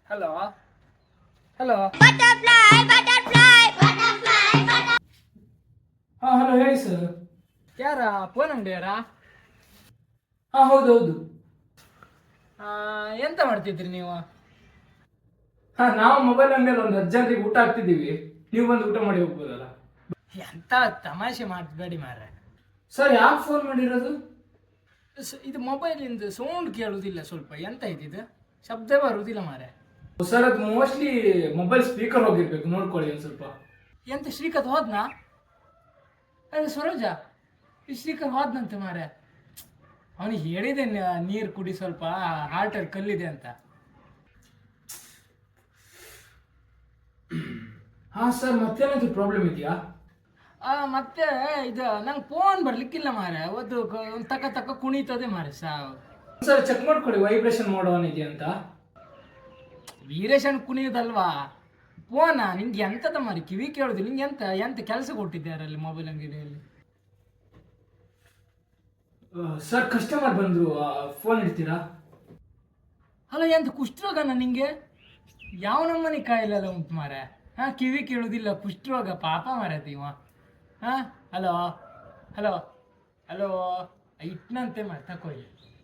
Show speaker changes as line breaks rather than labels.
Hello hello
ಹಾ hello ಹೇಳಿ sir.
ಯಾರ ಫೋನ್ ಅಂಗಡಿಯಾರಾ?
ಹಾ ಹೌದೌದು.
ಎಂತ ಮಾಡ್ತಿದ್ರಿ ನೀವು?
ಹಾ ನಾವು ಮೊಬೈಲ್ ಅಂಗಡಿಯಲ್ಲಿ ಒಂದು ಅರ್ಜೆಂಟಿಗೆ ಊಟ ಹಾಕ್ತಿದ್ದೀವಿ, ನೀವು ಬಂದು ಊಟ ಮಾಡಿ ಹೋಗ್ಬೋದಲ್ಲ.
ಎಂತ ತಮಾಷೆ ಮಾಡಬೇಡಿ ಮಾರ್ರೆ.
ಸರ್ ಯಾಕೆ ಫೋನ್ ಮಾಡಿರೋದು?
ಇದು ಮೊಬೈಲಿಂದ ಸೌಂಡ್ ಕೇಳುವುದಿಲ್ಲ, ಸ್ವಲ್ಪ ಎಂತ ಇದ್ದಿದ್ದು ಶಬ್ದ ಬರುವುದಿಲ್ಲ ಮಾರ್ರೆ.
ಸರ್ ಅದು ಮೋಸ್ಟ್ಲಿ ಮೊಬೈಲ್ ಸ್ಪೀಕರ್ ಹೋಗಿರ್ಬೇಕು, ನೋಡ್ಕೊಳ್ಳಿ ಒಂದು ಸ್ವಲ್ಪ.
ಎಂತ ಶ್ರೀಕಾಂತ್ ಹೋದ್ನಾ? ಅದೇ ಸರೋಜ, ಈ ಶ್ರೀಕಾಂತ್ ಹೋದ್ನಂತೆ ಮಾರ್ರೆ. ಅವನಿಗೆ ಹೇಳಿದೆ ನೀರು ಕುಡಿ, ಸ್ವಲ್ಪ ಹಾರ್ಟಲ್ಲಿ ಕಲ್ಲಿದೆ ಅಂತ.
ಹಾ ಸರ್, ಮತ್ತೇನಾದ್ರು ಪ್ರಾಬ್ಲಮ್ ಇದೆಯಾ?
ಮತ್ತೆ ಇದು ನಂಗೆ ಫೋನ್ ಬರ್ಲಿಕ್ಕಿಲ್ಲ ಮಾರ್ರೆ, ಒಂದು ತಕ್ಕ ಕುಣಿತದೆ ಮಾರ್ರೆ ಸಾವು.
ಸರ್ ಚೆಕ್ ಮಾಡ್ಕೊಳ್ಳಿ ವೈಬ್ರೇಷನ್ ಮಾಡೋನಿದೆಯಾ ಅಂತ.
ವೀರೇಶನ್ ಕುಣಿಯೋದಲ್ವಾ ಫೋನಾ? ನಿಂಗೆ ಎಂತದ ಮಾರಿ ಕಿವಿ ಕೇಳುದು? ನಿಂಗೆ ಎಂತ ಎಂತ ಕೆಲಸ ಕೊಟ್ಟಿದ್ದಾರಲ್ಲಿ ಮೊಬೈಲ್ ಅಂಗಡಿಯಲ್ಲಿ?
ಸರ್ ಕಸ್ಟಮರ್ ಬಂದ್ರು, ಫೋನ್ ಇಡ್ತೀರಾ?
ಅಲ್ಲ ಎಂತ ಕುಷ್ಠರೋಗನ ನಿಂಗೆ? ಯಾವ ನಮ್ಮನೆ ಕಾಯಿಲೆಲ್ಲ ಉಂಟು ಮಾರೆ? ಕಿವಿ ಕೇಳುವುದಿಲ್ಲ, ಕುಷ್ಠರೋಗ, ಪಾಪ ಮಾರತಿ ಇವ. ಹಲೋ ಹಲೋ ಹಲೋ ಇಟ್ನಂತೆ ಮಾಡಿ ತಕೊಳ್ಳಿ.